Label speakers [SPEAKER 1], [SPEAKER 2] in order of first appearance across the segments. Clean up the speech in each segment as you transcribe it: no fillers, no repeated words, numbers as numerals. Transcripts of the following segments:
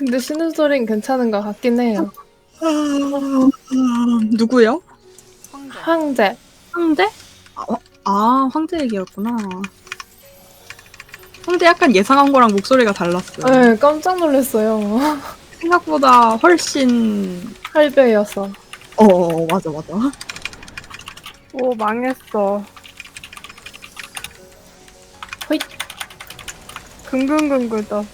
[SPEAKER 1] 근데 신음소리는 괜찮은 것 같긴 해요.
[SPEAKER 2] 누구요?
[SPEAKER 3] 황제.
[SPEAKER 1] 황제.
[SPEAKER 2] 황제? 황제 얘기였구나. 황제 약간 예상한 거랑 목소리가 달랐어요.
[SPEAKER 1] 네, 깜짝 놀랐어요.
[SPEAKER 2] 생각보다 훨씬
[SPEAKER 1] 할배여서.
[SPEAKER 2] 맞아.
[SPEAKER 4] 오, 망했어.
[SPEAKER 1] 호잇.
[SPEAKER 4] 긍긍긍긍 떴어.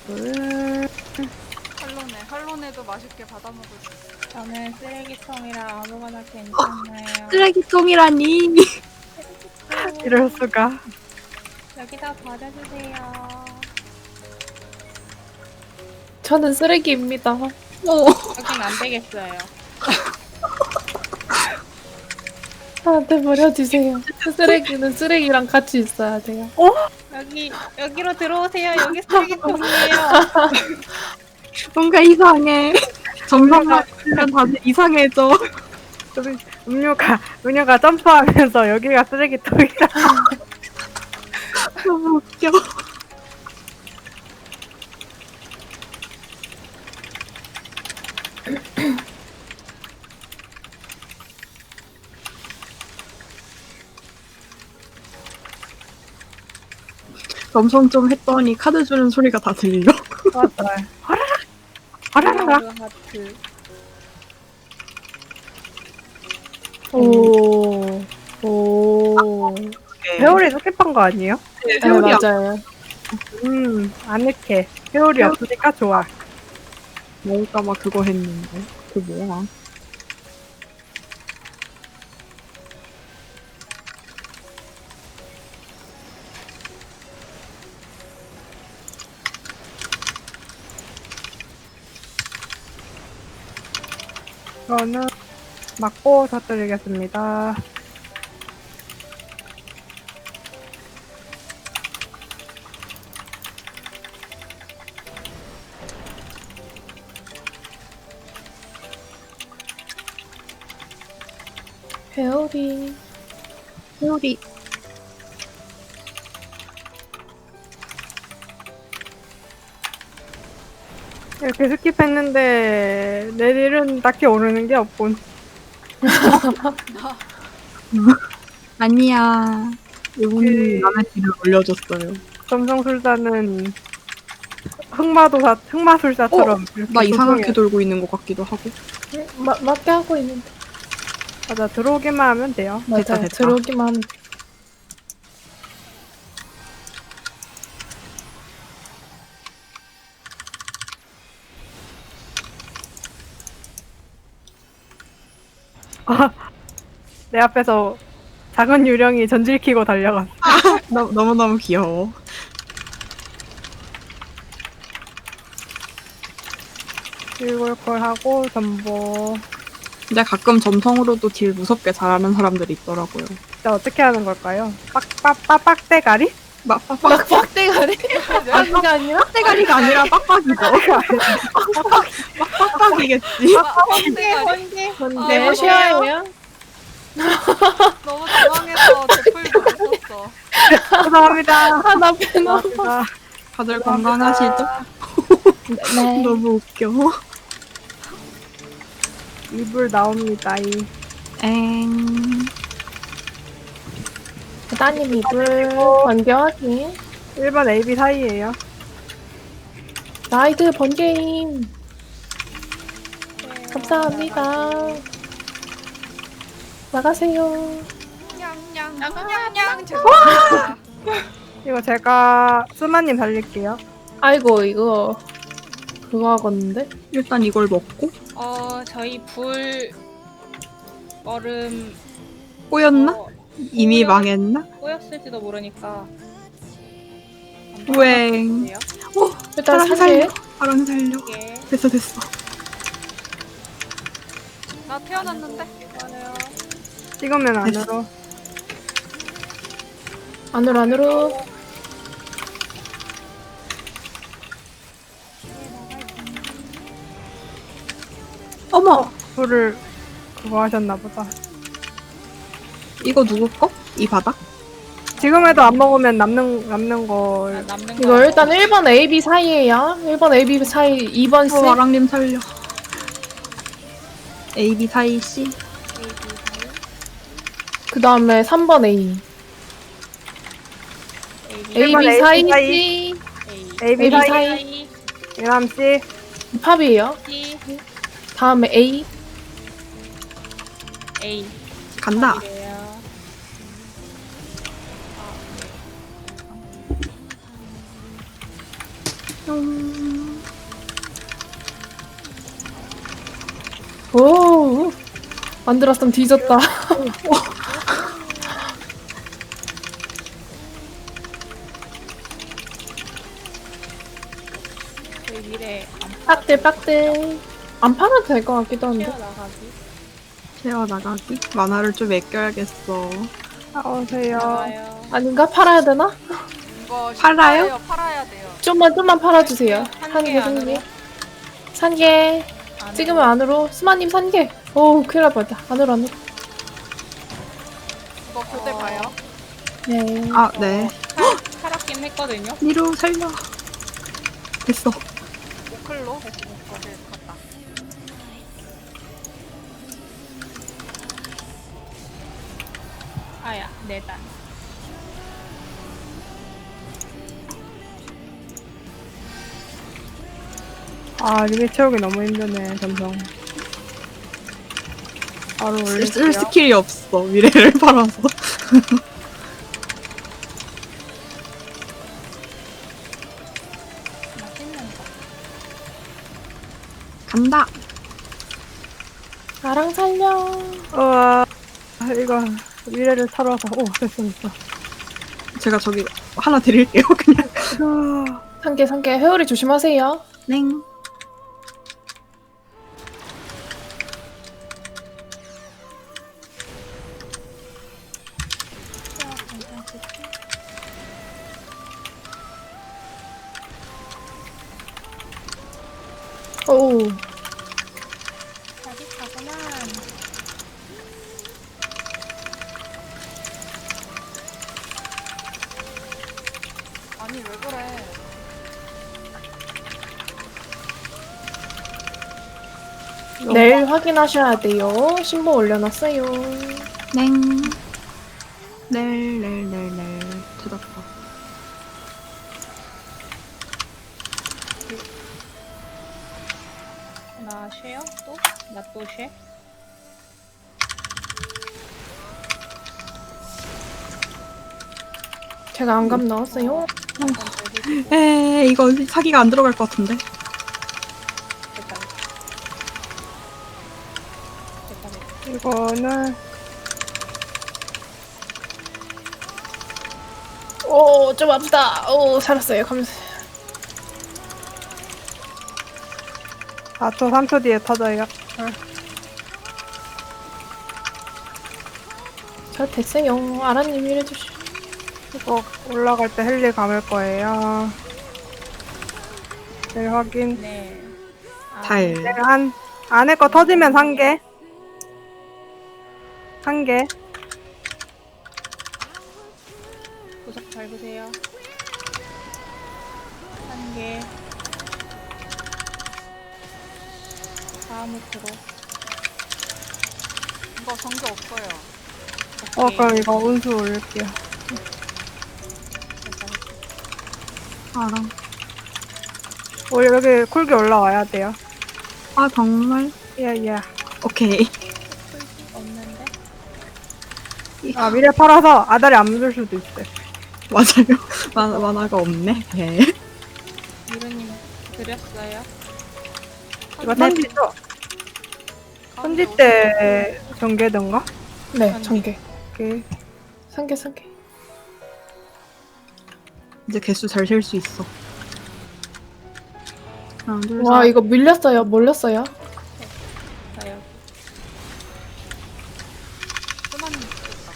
[SPEAKER 3] 할로네도 맛있게 받아 먹을 수 있어.
[SPEAKER 5] 저는 쓰레기통이라 아무거나 괜찮아요.
[SPEAKER 2] 쓰레기통이라니.
[SPEAKER 4] 이럴 수가.
[SPEAKER 5] 여기다 버려주세요.
[SPEAKER 1] 저는 쓰레기입니다.
[SPEAKER 5] 여긴 안 되겠어요.
[SPEAKER 1] 저한테 버려주세요. 쓰레기는 쓰레기랑 같이 있어야 돼요.
[SPEAKER 5] 여기로 들어오세요. 여기 쓰레기통이에요.
[SPEAKER 2] 뭔가 이상해. 점점만 하면 다들 이상해져.
[SPEAKER 4] 음료가 점프하면서 여기가 쓰레기통이라.
[SPEAKER 2] 너무 웃겨. 점성 좀 했더니 카드 주는 소리가 다 들려.
[SPEAKER 4] 맞아요. 화라락.
[SPEAKER 5] 하트.
[SPEAKER 1] 오. 오.
[SPEAKER 4] 회오리 스킵한 거 아니에요?
[SPEAKER 1] 네,
[SPEAKER 2] 회오리
[SPEAKER 1] 맞아요.
[SPEAKER 4] 아늑해. 회오리 없으니까 좋아.
[SPEAKER 2] 먹을까봐 그거 했는데. 그 뭐야?
[SPEAKER 4] 저는 맞고 터뜨리겠습니다.
[SPEAKER 1] 회오리.
[SPEAKER 2] 회오리.
[SPEAKER 4] 이렇게 스킵했는데 내일은 딱히 오르는 게 없군.
[SPEAKER 2] 아니야. 이분이 남의 뒤를 올려줬어요.
[SPEAKER 4] 점성술사는 흑마술사처럼 이렇게
[SPEAKER 2] 나 이상하게
[SPEAKER 4] 조종해.
[SPEAKER 2] 돌고 있는 것 같기도 하고.
[SPEAKER 1] 맞게 하고 있는데.
[SPEAKER 4] 맞아, 들어오기만 하면 돼요.
[SPEAKER 1] 맞아요.
[SPEAKER 2] 됐다.
[SPEAKER 1] 들어오기만 하면.
[SPEAKER 4] 내 앞에서 작은 유령이 전질 키고 달려갔어.
[SPEAKER 2] 너무너무 귀여워.
[SPEAKER 4] 일골콜 하고 전보.
[SPEAKER 2] 근데 가끔 점성으로도 딜 무섭게 잘하는 사람들이 있더라고요.
[SPEAKER 4] 진짜 어떻게 하는 걸까요? 빡대가리?
[SPEAKER 1] 빡대가리? 아니가 아니라?
[SPEAKER 2] 빡대가리가 아니라 빡빡이죠. 빡빡이겠지.
[SPEAKER 5] 번개.
[SPEAKER 1] 네, 쉐어예요.
[SPEAKER 3] 너무 당황해서 제풀도 못 썼어.
[SPEAKER 4] 죄송합니다.
[SPEAKER 1] 하나 빼놓.
[SPEAKER 4] 죄송합니다.
[SPEAKER 2] 다들 건강하시죠?
[SPEAKER 1] 네.
[SPEAKER 2] 너무 웃겨.
[SPEAKER 4] 이불 나옵니다.
[SPEAKER 2] 엥.
[SPEAKER 1] 따님 이불 번개하기.
[SPEAKER 4] 1번 AB 사이에요.
[SPEAKER 1] 나이드 번개임. 감사합니다. 나가세요.
[SPEAKER 3] 냥냥 죄송합니다.
[SPEAKER 4] 이거 제가 스마님 살릴게요.
[SPEAKER 1] 아이고 이거 그거 하겠는데?
[SPEAKER 2] 일단 이걸 먹고
[SPEAKER 5] 저희 불 얼음
[SPEAKER 2] 꼬였나?
[SPEAKER 5] 어,
[SPEAKER 2] 이미 망했나?
[SPEAKER 5] 꼬였을지도 모르니까.
[SPEAKER 2] 우엥.
[SPEAKER 1] 일단
[SPEAKER 2] 사랑
[SPEAKER 1] 살게.
[SPEAKER 2] 살려. 사랑 살려.
[SPEAKER 5] 예.
[SPEAKER 2] 됐어.
[SPEAKER 3] 나 태어났는데.
[SPEAKER 4] 찍으면 안으로.
[SPEAKER 1] 안으로.
[SPEAKER 2] 어머.
[SPEAKER 4] 불을 그거 하셨나 보다.
[SPEAKER 2] 이거 누구 거? 이 바닥?
[SPEAKER 4] 지금 해도 안 먹으면 남는
[SPEAKER 5] 아,
[SPEAKER 4] 걸.
[SPEAKER 5] 남는
[SPEAKER 1] 이거
[SPEAKER 5] 거.
[SPEAKER 1] 일단 1번 AB 사이에요. 1번 AB 사이, 2번 C.
[SPEAKER 2] 와랑님 살려. A, B 사이 C.
[SPEAKER 1] 그 다음에 3번 A.
[SPEAKER 4] 일번
[SPEAKER 1] AB
[SPEAKER 4] AB
[SPEAKER 1] 사이
[SPEAKER 4] 사이.
[SPEAKER 1] C.
[SPEAKER 4] AB
[SPEAKER 1] AB
[SPEAKER 4] 사이.
[SPEAKER 1] 사이.
[SPEAKER 4] 예남 씨.
[SPEAKER 1] 팝이에요.
[SPEAKER 5] C
[SPEAKER 1] 다음에 A.
[SPEAKER 5] A
[SPEAKER 2] 간다.
[SPEAKER 5] 이래요.
[SPEAKER 1] 오. 만들었으면 뒤졌다.
[SPEAKER 5] 저희 미래
[SPEAKER 1] 빡들 빡들. 안 팔아도 될 것 같기도 한데.
[SPEAKER 5] 튀어나가기.
[SPEAKER 2] 채워 나가기. 만화를 좀 아껴야겠어.
[SPEAKER 4] 나오세요.
[SPEAKER 5] 나가요.
[SPEAKER 1] 아닌가? 팔아야 되나?
[SPEAKER 3] 이거
[SPEAKER 2] 팔아요?
[SPEAKER 3] 신기해요. 팔아야 돼요.
[SPEAKER 1] 좀만 팔아주세요.
[SPEAKER 5] 한
[SPEAKER 1] 한
[SPEAKER 5] 개
[SPEAKER 1] 개,
[SPEAKER 5] 안으로?
[SPEAKER 1] 한 개. 산 개.
[SPEAKER 5] 안으로.
[SPEAKER 1] 찍으면 안으로. 스마님 산 개. 오, 큰일 날 뻔했다. 안으로.
[SPEAKER 3] 이거 교대 봐요.
[SPEAKER 1] 네.
[SPEAKER 2] 아, 네.
[SPEAKER 5] 살았긴 했거든요.
[SPEAKER 2] 니로 살려. 됐어.
[SPEAKER 3] 오클로 거길 갔다.
[SPEAKER 5] 아야, 네 단.
[SPEAKER 4] 아 리밋 채우기 너무 힘드네 점성. 바로
[SPEAKER 2] 쓸
[SPEAKER 4] 올릴게요.
[SPEAKER 2] 스킬이 없어. 미래를 팔아서.
[SPEAKER 5] 맛있는 거.
[SPEAKER 2] 간다.
[SPEAKER 1] 나랑 살려.
[SPEAKER 4] 우와 이거 미래를 털어서 오 됐어.
[SPEAKER 2] 제가 저기 하나 드릴게요. 그냥.
[SPEAKER 1] 산 개, 산 개. 회오리 조심하세요.
[SPEAKER 2] 냉.
[SPEAKER 1] 오.
[SPEAKER 5] 짜릿하구만.
[SPEAKER 3] 아니 왜 그래?
[SPEAKER 1] 내일 확인하셔야 돼요. 신보 올려놨어요.
[SPEAKER 2] 냉. 넬. 찾았다.
[SPEAKER 5] 나 쉐요? 또? 나 또 쉐?
[SPEAKER 1] 제가 안감 넣었어요.
[SPEAKER 2] 이거 사기가 안 들어갈 것 같은데.
[SPEAKER 5] 됐다. 됐다.
[SPEAKER 4] 이거는
[SPEAKER 1] 오, 좀 아프다. 오, 살았어요. 감사.
[SPEAKER 4] 4초 3초 뒤에 터져요.
[SPEAKER 1] 저 됐어요. 아라님 일해주시.
[SPEAKER 4] 이거 올라갈 때 헬리 감을 거예요. 네 확인.
[SPEAKER 5] 네.
[SPEAKER 2] 달.
[SPEAKER 4] 네, 한 안에 거 터지면 1개. 1개.
[SPEAKER 5] 구석 밟으세요. 한 개. 다음으로.
[SPEAKER 3] 이거 정지 없어요.
[SPEAKER 4] 그럼 이거 운수 올릴게요.
[SPEAKER 2] 알아.
[SPEAKER 4] 여기 쿨기 올라와야 돼요.
[SPEAKER 2] 아, 정말?
[SPEAKER 4] 예.
[SPEAKER 2] 오케이.
[SPEAKER 5] 없는데?
[SPEAKER 4] 아 미래 팔아서 아다리 안 묻을 수도 있어요.
[SPEAKER 2] 맞아요. 만화가 없네. 네.
[SPEAKER 5] 미루님 드렸어요.
[SPEAKER 4] 이거 던지죠? 던질 때 전개던가?
[SPEAKER 1] 네, 전개.
[SPEAKER 4] 오케이.
[SPEAKER 1] 산 개, 산 개.
[SPEAKER 2] 이제 개수 잘 셀 수 있어. 하나, 둘,
[SPEAKER 1] 와,
[SPEAKER 2] 셋.
[SPEAKER 1] 이거 밀렸어요. 몰렸어요.
[SPEAKER 5] 저요.
[SPEAKER 3] 수만님 죽겠다.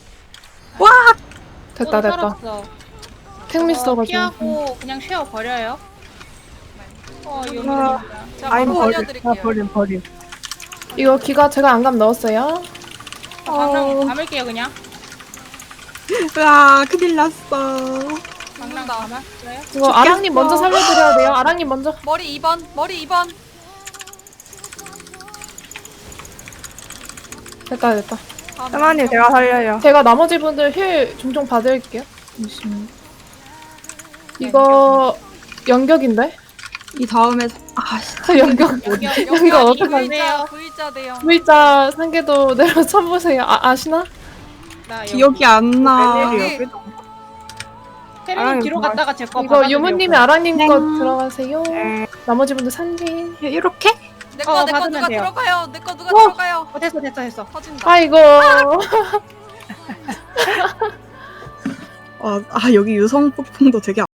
[SPEAKER 1] 됐다, 됐다.
[SPEAKER 5] 살았어.
[SPEAKER 1] 택미 써가지고.
[SPEAKER 5] 피하고 그냥 쉬어 버려요. 이거
[SPEAKER 4] 아.
[SPEAKER 5] 미루님이다.
[SPEAKER 3] 제가
[SPEAKER 4] 아임
[SPEAKER 3] 바로
[SPEAKER 4] 버림.
[SPEAKER 3] 살려드릴게요.
[SPEAKER 4] 버림.
[SPEAKER 1] 이거 기가 제가 안감 넣었어요.
[SPEAKER 5] 감을게요 그냥.
[SPEAKER 2] 으아, 큰일 났어.
[SPEAKER 5] 방랑
[SPEAKER 3] 죽는다.
[SPEAKER 5] 감았어요?
[SPEAKER 1] 이거 아랑님 먼저 살려드려야 돼요. 아랑님 먼저.
[SPEAKER 3] 머리 2번, 머리 2번.
[SPEAKER 1] 됐다 됐다.
[SPEAKER 4] 세마님 제가 살려요.
[SPEAKER 1] 제가 나머지 분들 힐 종종 받을게요. 잠시만요. 이거 연격인데?
[SPEAKER 2] 이 다음에
[SPEAKER 1] 연격.
[SPEAKER 5] 여기
[SPEAKER 1] 이거 어떡하지?
[SPEAKER 3] V자 대형.
[SPEAKER 1] V자 상계도 내려 쳐보세요. 아시나?
[SPEAKER 5] 나 여기.
[SPEAKER 2] 기억이 안 나.
[SPEAKER 3] 여기.
[SPEAKER 5] 혜린이
[SPEAKER 4] 아랑이
[SPEAKER 5] 뒤로
[SPEAKER 4] 뭐
[SPEAKER 5] 갔다가 제거
[SPEAKER 1] 이거 유무님이 아랑님 거
[SPEAKER 2] 네.
[SPEAKER 1] 들어가세요.
[SPEAKER 4] 네.
[SPEAKER 1] 나머지 분들 산지.
[SPEAKER 2] 이렇게?
[SPEAKER 3] 내거
[SPEAKER 5] 받으면
[SPEAKER 3] 누가
[SPEAKER 5] 돼요.
[SPEAKER 3] 들어가요? 내 거 누가
[SPEAKER 1] 어.
[SPEAKER 3] 들어가요?
[SPEAKER 5] 됐어.
[SPEAKER 3] 터진다.
[SPEAKER 1] 아이고.
[SPEAKER 2] 여기 유성 폭풍도 되게